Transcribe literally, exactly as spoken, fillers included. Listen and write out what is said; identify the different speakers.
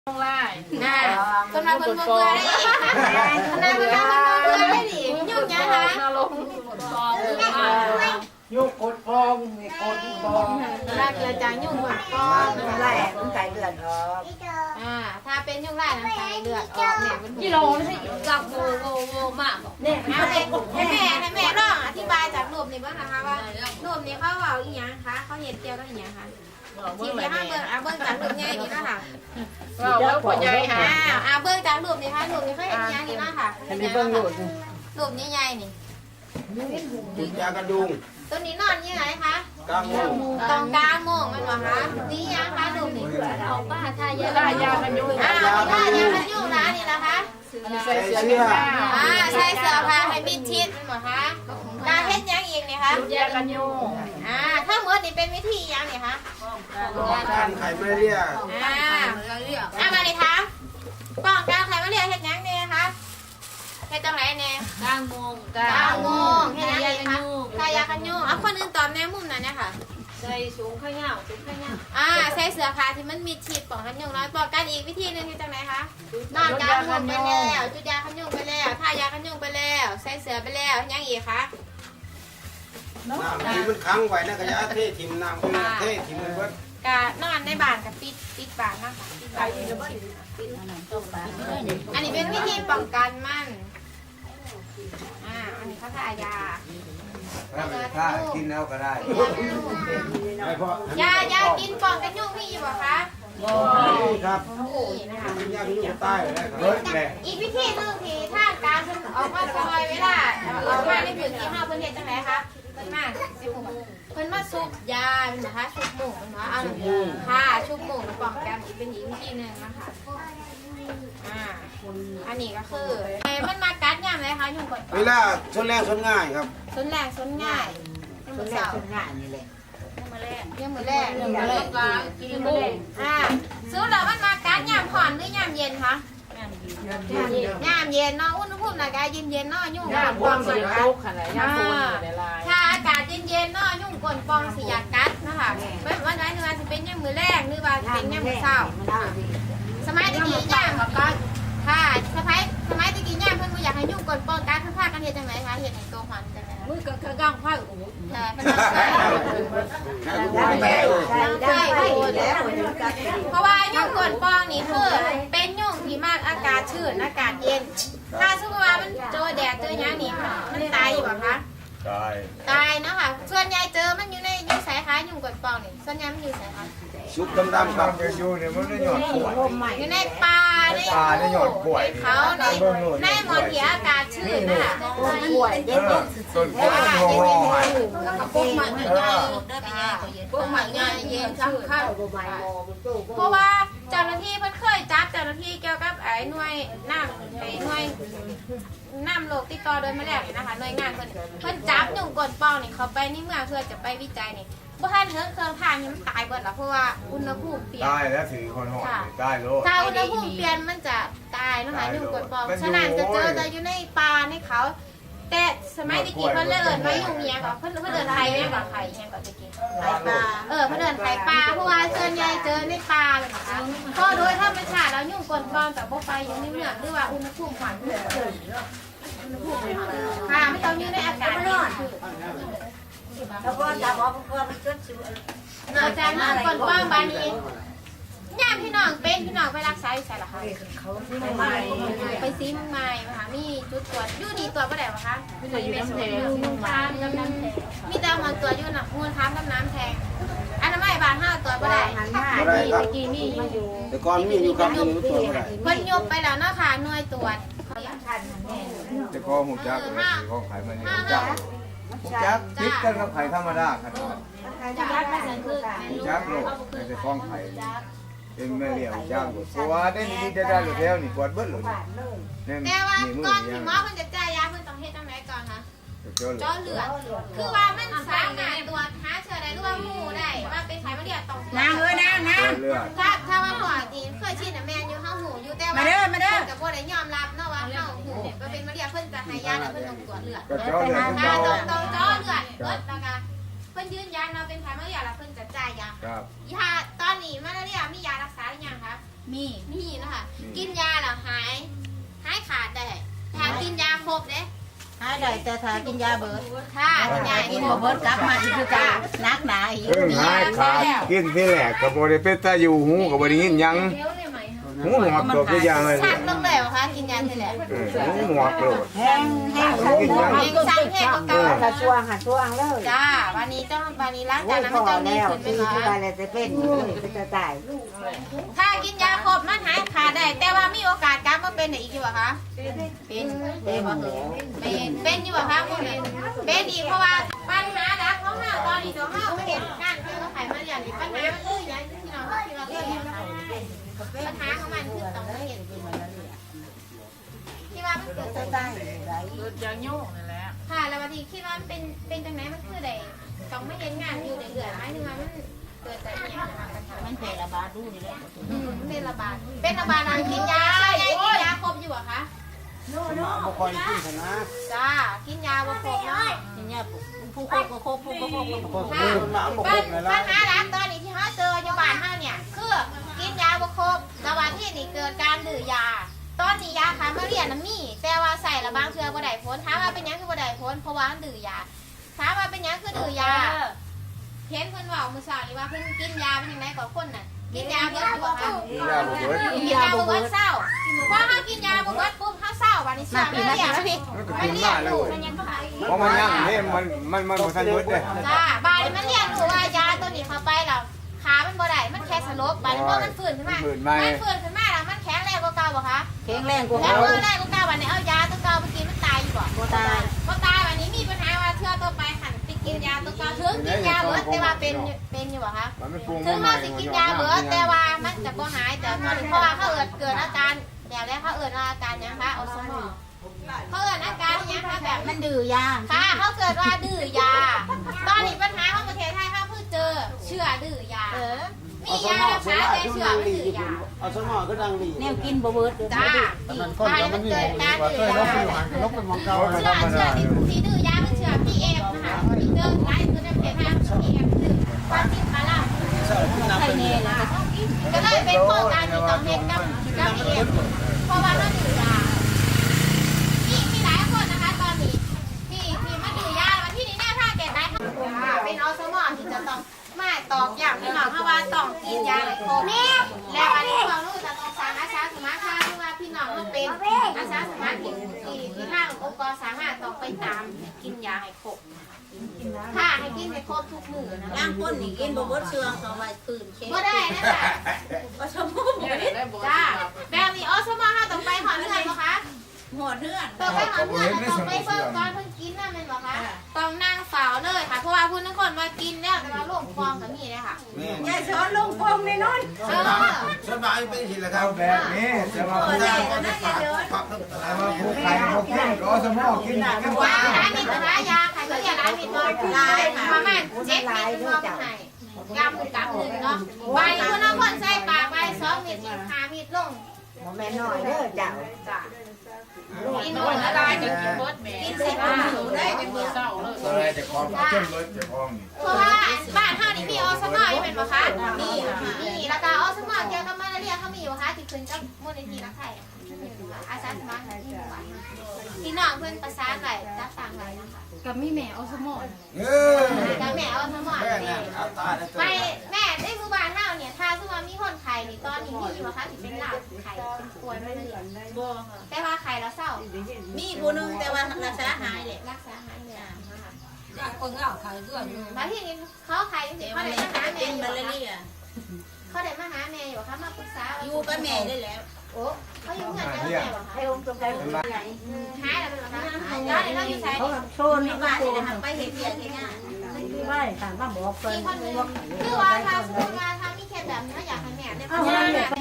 Speaker 1: ต้องไล่
Speaker 2: น่ะคนมาคนเบื่อได้อีกคนมาคนมาคนเบื่อได้อีกยุ่งยังคะ
Speaker 1: นรกฟอง
Speaker 3: ยุ่งกดฟองนี่กดฟอง
Speaker 2: ลาเกลือจางยุ่งหมดฟอง
Speaker 3: ไล่มันใส่เลือดออก
Speaker 2: อ่าถ้าเป็นยุ่งไล่น้ำตาเลือดออกเนี่ยเป็น
Speaker 1: กิโลนี่ใช่กับโวโวโวมาก
Speaker 2: เนี่ยให้แม่ให้แม่ลองอธิบายจากรูปนี้บ้างนะคะว่ารูปนี้เขาเอาอีหยังคะเขาเห็นเกี่ยวกับอีหยังคะทีเดียวห้าเบิ้งอ่ะเบิ้งจากรูปใหญ่นี่นะคะ
Speaker 1: เราเบิ้งคนใหญ่ค่ะ
Speaker 2: อ่าอ่าเบิ้งจากรูปนี้ค่ะรูปนี้เขาเห็นอีหยังนี่นะคะรูปนี้ใหญ่นี่
Speaker 3: กินยากระดุง
Speaker 2: ตัวนี้นอนยังไงคะ
Speaker 3: กลางโมง
Speaker 2: ตรงกลางโมงมันวะคะนี่ยังคะรูปนี้เอาป้าทายา
Speaker 1: ได้ยากันยุ่ง
Speaker 2: อ่าทายากันยุ่งนะนี่นะคะ
Speaker 1: ใส่เสื้อผ้า
Speaker 2: อ่าใส่เสื้อผ้าให้มิดชิดมันวะคะตาเฮ็ดยังอีกนี่คะ
Speaker 1: ยากันยุ่ง
Speaker 2: อ่าถ้าเมื่อนี่เป็นวิธียังนี่คะ
Speaker 3: การไข่ไม่เรียก
Speaker 2: อ่าอ่ามาเลยคะป้องกันใครมาเรียกเฮ็ดยังเนี่ยคะเฮ็ดจังไรเนี่ย
Speaker 1: กลางโมง
Speaker 2: กลางโมงเฮ็ดยังไงคะทายากันยุ่งเอาคนอื่นตอบแนวมุมนั้นเนี่ยค่ะ
Speaker 1: ใส่สูงข้างเงาสูงข้างเงา
Speaker 2: อ่าใส่เสื้อผ้าที่มันมิดชิดป้องกันยุงน้อยป้องกันอีกวิธีหนึงคือจังไรคะนอนกลางมุมไปแล้วจุดยากันยุงไปแล้วทายากันยุงไปแล้วใส่เสื้อไปแล้วยังอีกคะ
Speaker 3: น้ำที่มันค้างไว้นะกระยาเทถิ่มน้ำคือเทถิ่มมันเบิด
Speaker 2: กะนอนในบ้านกับปิดปิดบ้านนะคะปิดบ้านอันนี้เป็นวิธีป้องกันมันอ่าอันนี้เขาทายา
Speaker 3: ถ้ากินแล้วก็ได้ไม่พอย
Speaker 2: ายากินป้องกันยุงมีอยู่ป่ะคะ
Speaker 3: ครับ
Speaker 2: นี่นะคะ
Speaker 3: กินยากินอยู่ใต้เลยเฮ้ยแหละ
Speaker 2: อีกวิธีหนึงที่ทางการเพิ่นออกมาซอยเวลาออกมาในพื้นที่เฮาเพิ่นเฮ็ดจังไดคะเพิ่นมาสิบหกเพิ่นมาซุบยาเป็นนะคะชุบหมูเพิ่นว่าเอาค่ะชุบหมูมาป้องกันอีกเป็นอีกวิธีหนึงนะคะอ่าอันนี้ก็คือไอ้มันมากัดยามไหนคะยุงกด
Speaker 3: เวลาชนแรงชนง่ายครับ
Speaker 2: สนแรงสนง่ายยังมือเสาร์
Speaker 3: ง่ายนี่แหละ
Speaker 2: ยังมือแรก
Speaker 1: ยังไม่ได้กลางกินโมง
Speaker 2: อ่าซื้อแล้วมันมากัดยามผ่อนหรือยามเย็นคะยามเย็นเนาะอุณหภูมิร่างกายเย็นๆเนาะยุ่ง
Speaker 1: ยา
Speaker 2: กัด
Speaker 1: พวงสีโลกขนาดยาโฟนอยู่ในลาย
Speaker 2: ถ้าอากาศเย็นๆเนาะยุ่งกลนปองสิอยากกัดนะคะเป็นวันไหนนึกว่าจะเป็นยามมือแรกนึกว่าจะเป็นยามมือเช้าสมัยตะกี้ยามก็ค่ะสมัยสมัยตะกี้ยามเพิ่นบ่อยากให้ยุ่งกลนปองกัดเพิ่นพากันเฮ็ดจังไดคะเฮ็ดให้ตัวหอนจังไดคะ
Speaker 1: มือกับข้างก้างผ้าโอ้โห
Speaker 2: ใช่เป็นใช่
Speaker 3: ได้ได้
Speaker 2: ใช่เพราะว่ายุ่งกลนปองนี่คือเป็นยุ่งที่มากอากาศชื้นอากาศเย็นถ้าสมมติว่ามันเจอแดดเจอหยังนี่มันตายอยู่บ่คะ
Speaker 3: ได้
Speaker 2: ตายเนาะค่ะส่วนใหญ่เจอมันอยู่ในอยู่สายค้ายุ่งกดปองนี่ส่วนใหญ่มันอยู่สายค้า
Speaker 3: ชุบดำๆครับ
Speaker 4: อยู่เนี่ยมันได้หยอดกล้วย
Speaker 2: อยู่ในป่าใน
Speaker 4: ป่าในหยอดกล้วย
Speaker 2: ในเขาในในหมอนที่อากาศชื้นนะคะ
Speaker 4: เออต้นกล้วยมันหัวหอมหัน
Speaker 2: พวกมันใหญ่พวกมันใหญ่เย็นจังค่ะเพราะว่าเจ้าหน้าที่เพิ่นเคยจับเจ้าหน้าที่เกี่ยวกับไอ้หน่วยน้ำไอ้หน่วยน้ำโลกติดต่อโดยมาแล้วนี่นะคะหน่วยงานเพิ่นเพิ่นจับยุ่งกดปองนี่เขาไปในเมืองเพื่อจะไปวิจัยนี่บ่ทันเฮิงเครื่องทางนี่มันตายเบิดแล้วเพราะว่าอุณหภูมิเปลี่ยน
Speaker 4: ได้แล้วถือคนหอดได้โลด
Speaker 2: ถ้าอุณหภูมิเปลี่ยนมันจะตายเนาะคะยุ่งกดปองฉะนั้นจะเจอจะอยู่ในป่าในเขา แต่สมัยตะกี้เพิ่นเลิศไว้ยุ่งเมียก่อนเพิ่นเพิ่นเดินไทยแม่ก่อนไทยแม่ก่อนตะกี้ไทยปลาเออเพิ่นเดินไทยปลาเพราะว่าส่วนใหญ่เจอในป่าเลยนะคะก็โดยธรรมชาติแล้วยุ่งกดปองแต่บ่ไปอยู่ในเมืองหรือว่าอุณหภูมิความชื้นค่ะไม่ต้องอยู่ในอากาศร้อน
Speaker 5: แล้วก็จะบอกเพื่อนมันจดสิว
Speaker 2: นอกจากนั้นก่อนป้องบานี้ย่ามพี่น้องเป็นพี่น้องไปรักษาอยู่ใส่หรอคะ
Speaker 5: เขาไม่ไม่
Speaker 2: ไปซีเมืองใหม่มาค่ะมีจุดตรวจอยู่นี่ตรวจบ่ได้หรอคะ
Speaker 1: ไม่ได้อยู่น้ำแทง
Speaker 2: มูลค้ามกับน้ำแทงมีแต่มาตรวจอยู่น่ะมูลค้ามกับน้ำแทงอันนั้นไม่บานห้าตรวจบ่ได้
Speaker 3: ไม่ได้ครับ
Speaker 1: กีนี่อยู่
Speaker 3: แต่ก่อนมีอยู่ครับมีอยู่ตัวไม่ได้
Speaker 2: เพิ่นยกไปแล้วเนาะค่ะหน่วยตรวจ
Speaker 4: จะก็หูจักเลยก็ขายมันนี่หูจักหูจักติดกันกับไข่ธรรมดาขนาด
Speaker 2: จะยัดมาสันคือ
Speaker 4: หูจักโลดในแต่ฟ้องไข่เป็นแม่เลี้ยงจ้างหมดเพราะว่าได้นี่ได้ได้หรือแล้วนี่ปวดเบิ้ลเลยนี่
Speaker 2: แต่ว่า
Speaker 4: นี่มือ
Speaker 2: ก่อน
Speaker 4: ยั
Speaker 2: ที่
Speaker 4: ง
Speaker 2: หมอเพิ่นจะจ่ายยาเพิ่นต้องเฮ็ดจังไดก่อนคะ
Speaker 4: เจ้าเลย
Speaker 2: เจาะเลือดคือว่ามันสามารถตรวจหาเชื้อได้หรือว่าหมู่ได้ว่าเป็นไขมันเลือดต้อง
Speaker 5: นางเอ้ยนางนาง
Speaker 4: เลือด
Speaker 2: ถ้าถ้าว่าหัวจีเคยชินน่ะแม่นอยู่เฮาหูอยู่แต่ว่า
Speaker 5: มาเด้อมาเด้อ
Speaker 2: กับบ่ได้ยอมรับเนาะว่าเฮาหูว่าเป็นมะเร็งเพิ่นจะให้ยาแล้วเพิ่นต้องตรวจเลือด
Speaker 4: ก็เจ้าเลือด
Speaker 2: ถ้า
Speaker 4: เจ้า
Speaker 2: ต้องต้องเจาะเลือดเบิดแล้วก็เพิ่นยืนยันเราเป็นไข้มาเรียแล้วเพิ่นจะจ่ายยา
Speaker 4: ครับ
Speaker 2: ยาตอนนี้มาเรียมียารักษาหรือยังคะมีมีนะคะกินยาแล้วหายหายขาดได้ถ้ากินยาครบเด้
Speaker 5: หายได้แต่ถ้ากินยาเบิด
Speaker 2: ค่ะกินยา
Speaker 5: กินบ่เบิดกลับมาอีกคือกันนักหนาอีก
Speaker 4: เพิ่งหายขาดกินที่แรกก็บ่ได้เป็นตาอยู่หูก็บ่ได้ยินหยังหูหนวกตัวคืออย่างเลย
Speaker 2: ชักลงเลยเหรอคะกินยาทีแรก
Speaker 4: เออหูหนวกโลด
Speaker 5: แห้งแห้งใส่หมวก
Speaker 2: เองสั่งแห้งก็เก่า
Speaker 5: หาช่วงหาช่วงเลย
Speaker 2: จ้าวันนี้ต้องวันนี้ล้าง
Speaker 5: โอ้
Speaker 2: จาน
Speaker 5: ย
Speaker 2: น้ำ
Speaker 5: พ
Speaker 2: ไม่
Speaker 5: อ
Speaker 2: ต้องดี
Speaker 5: แล้ว
Speaker 2: ขึ้นไหม
Speaker 5: ตี
Speaker 2: คะ
Speaker 5: ที่ไปแล้วจะเป็นเลยจะตาย
Speaker 2: ถ้ากินยาครบมันหายขาดได้ แต่ว่ามีโอกาสกลับมาเป็นอีกอยู่เหรอคะเป็นเป็นเป็นเป็นอยู่เหรอคะพวกนี้เป็นอีกเพราะว่าปัญหาดักของเราตอนนี้ตัวเราไม่เห็นการคือเราไขมันอย่างนี้ปัญหามันคืออย่างที่เราที่เราเคยเห็นปัญหาของมันคือต้องเห็นที่ว่ามันเกิด
Speaker 5: จะตาย
Speaker 1: เกิดจากโยกนั่นแหละ
Speaker 2: ค่ะแล้วบางทีคิดว่ามันเป็นเป็นจังไหนมันคือใดต้องไม่เห็นงานอยู่เดือดๆหมายถึงว่ามันเกิดจากอย่างนะคะปัญหา
Speaker 5: มันเป็นระบาดดูนี่แหละ
Speaker 2: อืมเป็นระบาดเป็นระบาดนานกินยาใช่กินยาครบอยู่เหรอคะ
Speaker 3: บ่ค่อยกินซะนะ
Speaker 2: จ้ากินยาบ่ครบเนาะ
Speaker 5: กินยาผู้โคกก็โคกผู้ก็โคกก็โคก
Speaker 2: ค่ะปัญปัญหาหลักตอนนี้ที่เขาเจออยู่บ้านเฮาเนี่ยคือกินยาบ่ครบระหว่างที่นี่เกิดการดื้อยา ตอนนี้ยาคามาเรียนน่ะมีแต่ว่าใส่ละบางเทื่อบ่ได้ผลถามว่าเป็นหยังคือบ่ได้ผลเพราะว่ามันดื้อยาถามว่าเป็นหยังคือดื้อยาเห็นเพิ่นเว้ามื้อเช้านี้ว่าเพิ่นกินยาเป็นจังได๋ก็คนน่ะกินยาเบิดอยู่บ่คะ
Speaker 4: กินยาบ่เบิด
Speaker 2: กินยาบ่เบิดเศร้าพอเฮากินยาบ่เบิดปุ๊บเฮาเศร้าบัดนี้เชื่อมาเรียน
Speaker 4: มันก็กินมาเลยเพราะมันยังนี่มันมันมันบ่ทันเบิดเด้
Speaker 2: จ้าบาดนี้มันเรียนรู้ว่ายาตัวนี้เข้าไปแล้วขามันบ่ได้มันแค่สลบบาดนี้พอมันฟื้นขึ้นมามันฟื้นขึ้นมาแล้วมันแข็งแรงกว่าเก่าบ่คะ
Speaker 5: แข็งแรงกว่า
Speaker 2: แข็ง
Speaker 5: เขา
Speaker 2: แรงกว่าเก่าบัดนี้เอายาตัวเก่าไปกินมันตายอยู่บ่
Speaker 5: บ่ตาย
Speaker 2: บ่ตายบัดนี้มีปัญหาว่าเทื่อต่อไปหันไปกินยาตัวเก่าถึงกินยาเบิดแต่ว่าเป็นเป็นอยู่บ่คะ
Speaker 4: มันไม่ปรุง
Speaker 2: ถึงเราสิกินยาเบิดแต่ว่ามันจะบ่หายแต่ตอนนี้เพราะว่าเขาเอิดเกิดอาการแบบแรกเขาเอิดอาการหยังคะออสมอเขาเอิดอาการหยังคะแบบ
Speaker 5: มันดื้อยา
Speaker 2: ค่ะเขาเกิดว่าดื้อยา ตอนนี้ปัญหาของประเทศไทยเขาเพิ่งเจอเชื้อดื้อยา
Speaker 5: เออ
Speaker 2: มียารักษาแต่เชื้อไม่ดื้อยา
Speaker 3: เอาสมอก็ดังดี
Speaker 5: แนวกินบ่เบิด
Speaker 2: จ้าตายมันเกิดการดื้อยา
Speaker 3: ลบเป็นของเก่า
Speaker 2: เชื้อเชื้อที่ที่ดื้อยาเป็นเชื้อ พี เอฟ นะคะที่เจอหลายตัวในประเทศไทย พี เอฟ คือความคิดมาล่า
Speaker 5: ใส่แน่แล้ว
Speaker 2: ก็เลยเป็นโครงการที่ต้องเฮ็ดกับกับ พี เอฟ เพราะว่าเราดื้อยามีมีหลายคนนะคะตอนนี้ที่ที่มาดื้อยาวันที่นี้แน่ถ้าแก่ได้เป็นอสมอที่จะต้องมาตอกย้ำพี่น้องเพราะว่าต้องกินยาให้ครบแล้วอันนี้ความรู้จะต้องสร้างอาสาสมัครค่ะที่ว่าพี่น้องต้องเป็นอาสาสมัครที่ที่ที่ทางองค์กรสามารถต้องไปตามกินยาให้ครบค่ะให้กินให้ครบทุกมื้อนะ
Speaker 5: ย่างก้นนี่กินบ่เบิดเชื่องเอาไว้คืนเช็ด
Speaker 2: บ่ได้นะจ๊ะ
Speaker 5: ก็ชมพู่บ่ได้
Speaker 1: ได้บ่
Speaker 2: จ้าแบบนี้อสมอเฮาต้องไปหอเรือนบ่คะ
Speaker 5: หัวเนื้อ
Speaker 2: ต้องไปหอเรือนแล้วต้องไปเบิ่งก่อนเพิ่นกินน่ะแม่นบ่คะต้องนั่งเฝ้าเลยค่ะเพราะว่าผู้นั้นคนว่ากินแล้วแต่ว่าโรคฟองก็มีเลยค่ะ
Speaker 5: ยายสอนลงพงในนอน
Speaker 2: เออ
Speaker 3: สบายเป็นสิละครั
Speaker 4: เอา
Speaker 3: บ
Speaker 4: แบบนี้จะมาพูด
Speaker 3: ปัก
Speaker 4: จะมาพูดใครมาพูดรอสมอกินกัน
Speaker 2: ยาร้านมิตรร้านยาใครก็เรียกร้านมิตรลายประมาณเจ็ดมิตรมองให้กำกับหนึ่งเนาะใบคุณน้ำพ่นใส่ปากใบสองมิตรห้ามิตรลง
Speaker 5: บ่แม่น้อยเด้อเจ้า
Speaker 2: จ้ะ
Speaker 1: กินคนละลายจะกินเบิดแม่
Speaker 2: กินใส่ปากหนูได้
Speaker 1: กินเบิดเศร้าเลย
Speaker 4: อะไรจะคล้องจนรถจะคล้องนี่
Speaker 2: เพราะว่าบ้านเฮานี่มีอสมอยู่เป็นบ่คะมีมีแล้วก็อสมเกี่ยวกับมาลาเรียเขามีอยู่ค่ะที่ขึ้นกับมูลนิธิรักไทยอาสาสมัครที่หมู่บ้านพี่น้องเพิ่นประสานไว้จัดตั้งไว้นะคะ
Speaker 1: กับมีแม่อสมอ
Speaker 3: เออ
Speaker 2: แล้วแม่เอาสม
Speaker 3: แม่
Speaker 2: นี่
Speaker 3: น่ะเอาตาได้ตัว
Speaker 2: ไปแม่ได้หมู่บ้านเฮาเนี่ยถ้าสมมติมีคนไข้นี่ตอนนี้มีอยู่บ่คะที่เป็นลาวไข้เป็นป่วยมาเลยบ่ค่ะแต่ว่าไข้แล้วเศร้า
Speaker 5: มีผู้นึงแต่ว่ารักษาหายเลย
Speaker 2: รักษาหายเลยนะคะ
Speaker 5: อยากคนเอาเขาเรื่อง
Speaker 2: บางทีนี่เขาไข้จังซี่เขาได้มาหาแม่
Speaker 5: เป็น
Speaker 2: อยู่
Speaker 5: มา
Speaker 2: บ่
Speaker 5: ลา
Speaker 2: คะ
Speaker 5: เรีย
Speaker 2: เขาได้มาหาแม่อยู่บ่คะมาปรึกษา
Speaker 5: อยู่กับแม่ได้แล้ว
Speaker 2: โอ้เขาอยู่เงินกับแม่บ่คะ
Speaker 5: ให้องค์ตรงใจเป็นไง
Speaker 2: อืมหายแล้วเป็นบ่คะหายแล้วเราอยู่ไส
Speaker 5: เขา
Speaker 2: นี่
Speaker 5: โชว์ในบ้านนี่นะคะไปเห็นเพียงแค่งาน
Speaker 6: ไม่ถามว่าบอกเพิ่น
Speaker 2: มีคนหนึง
Speaker 6: บอก
Speaker 2: คือว่าถ้าสมมติว่าถ้ามีเคสแบบนี้อยากให้แม่ได้